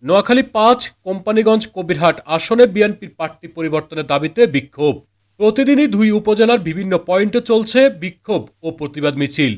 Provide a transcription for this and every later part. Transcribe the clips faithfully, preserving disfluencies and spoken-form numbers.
নোয়াখালী পাঁচ কোম্পানীগঞ্জ কবিরহাট আসনে বিএনপির প্রার্থী পরিবর্তনের দাবিতে বিক্ষোভ। প্রতিদিনই দুই উপজেলার বিভিন্ন পয়েন্টে চলছে বিক্ষোভ ও প্রতিবাদ মিছিল।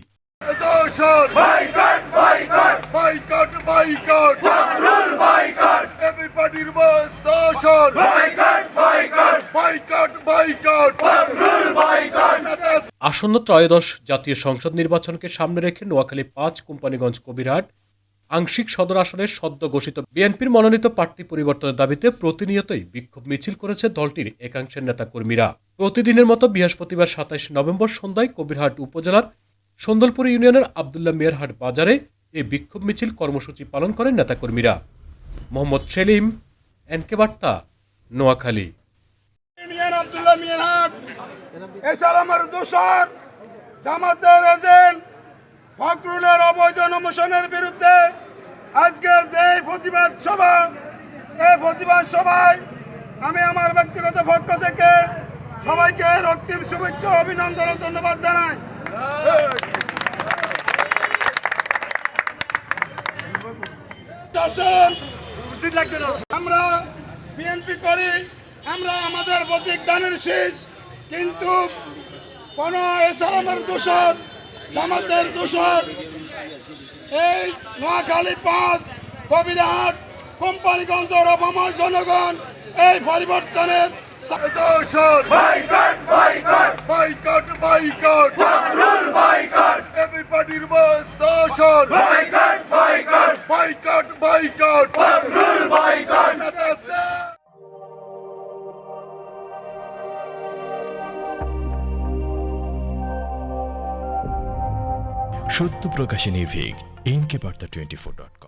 আসন্ন ত্রয়োদশ জাতীয় সংসদ নির্বাচনকে সামনে রেখে নোয়াখালী পাঁচ কোম্পানীগঞ্জ কবিরহাট আংশিক সদর আসনের সদ্য ঘোষিত বিএনপির মনোনীত প্রার্থী পরিবর্তনের দাবিতে প্রতিনিয়তই বিক্ষোভ মিছিল করেছে দলটির একাংশের নেতাকর্মীরা। প্রতিদিনের মতো বৃহস্পতিবার সাতাইশ নভেম্বর সন্ধ্যায় কবিরহাট উপজেলার সন্দলপুর ইউনিয়নের আবদুল্লাহ মিয়ারহাট বাজারে এই বিক্ষোভ মিছিল কর্মসূচি পালন করেন নেতাকর্মীরা। মোহাম্মদ সেলিম, এনকে বার্তা, নোয়াখালী। আবদুল্লাহ মিয়ারহাট এসালামের দোষর জামাতের এজেন্ট ফখরুলের অবৈধ নমিশনের বিরুদ্ধে আজকে যে প্রতিবাদ সভা, এই প্রতিবাদ সভায় আমি আমার ব্যক্তিগত পক্ষ থেকে সবাইকে রক্তিম শুভেচ্ছা অভিনন্দন ও ধন্যবাদ জানাই। আমরা বিএনপি করি, আমরা আমাদের প্রতীক দানের শীষ, কিন্তু কোন এসালামের দোষর জামাতের দোষর এই নোয়াখালী পাঁচ কবিরহাট কোম্পানীগঞ্জের অবময় জনগণ এই পরিবর্তনের দোষর boycott boycott boycott boycott Fakhrul boycott এবিপার্টির বস দোষর boycott boycott boycott boycott Fakhrul boycott. সত্য প্রকাশে নির্ভীক এনকে বার্তা টোয়েন্টি ফোর ডট কম।